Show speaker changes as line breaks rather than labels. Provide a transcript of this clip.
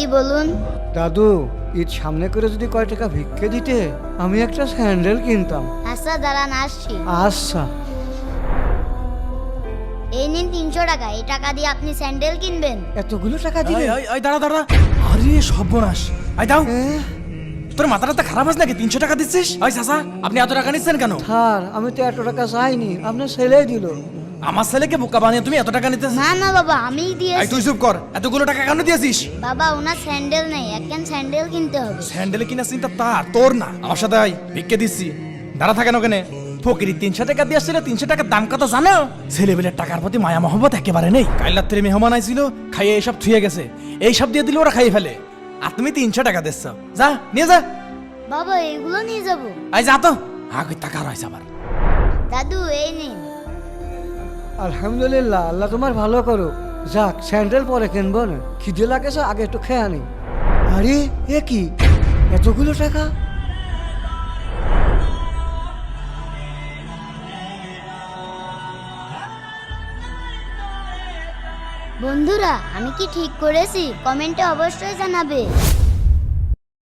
বলুন।
দাদু, ঈদ সামনে করে যদি কয় টাকা ভিক্ষে দিতে আমি একটা স্যান্ডেল কিনতাম।
আচ্ছা দাঁড়ান, আসছি।
আচ্ছা।
এই নিন 300 টাকা, এই টাকা দিয়ে আপনি স্যান্ডেল কিনবেন।
এতগুলো টাকা দিলে?
দাঁড়া দাঁড়া, আরে সর্বনাশ, দাও।
হ্যাঁ?
তোর মাথাটা খারাপ আছে নাকি? 300 টাকা দিচ্ছিস? চাচা, আপনি এত টাকা নিচ্ছেন কেন?
স্যার, আমি তো এত টাকা চাইনি, আপনার ছেলেই দিল।
আমার ছেলেকে বোকা বানিয়ে তুমি এত টাকা নিতেছ?
না না বাবা, আমিই দিয়েছি।
তুই চুপ কর, এতগুলো টাকা কেন দিয়েছিস?
বাবা, ওনার স্যান্ডেল নেই, একখান স্যান্ডেল কিনতে হবে।
স্যান্ডেল কিনা চিন্তা তার, তোর না। আমার সাথে আয়, ভিক্ষে দিচ্ছি। দাঁড়া থাকেন ওখানে। ফকিরি 300 টাকা দিয়ে আসছিল, 300 টাকার দাম কত জানো? ছেলেবেলের টাকার প্রতি মায়া মহব্বত একেবারে নেই। কাল রাত্রে মেহমান আইছিল, খাইয়ে এইসব থুয়ে গেছে। এইসব দিয়ে দিলে ওরা খাইয়ে ফেলে, আর তুমি 300 টাকা দিচ্ছ। যা নিয়ে যা।
বাবা, এগুলো নিয়ে যাব।
যা তো, আগে টাকা রয়েছে আবার।
দাদু, এই নিন।
আলহামদুলিল্লাহ, আল্লাহ তোমার ভালো করো। যাক, স্যান্ডেল পরে কিনবো না, খিদে লাগেছে, আগে একটু খেয়ে আনি। আরে এ কি, এতগুলো টাকা?
বন্ধুরা, আমি কি ঠিক করেছি? কমেন্টে অবশ্যই জানাবে।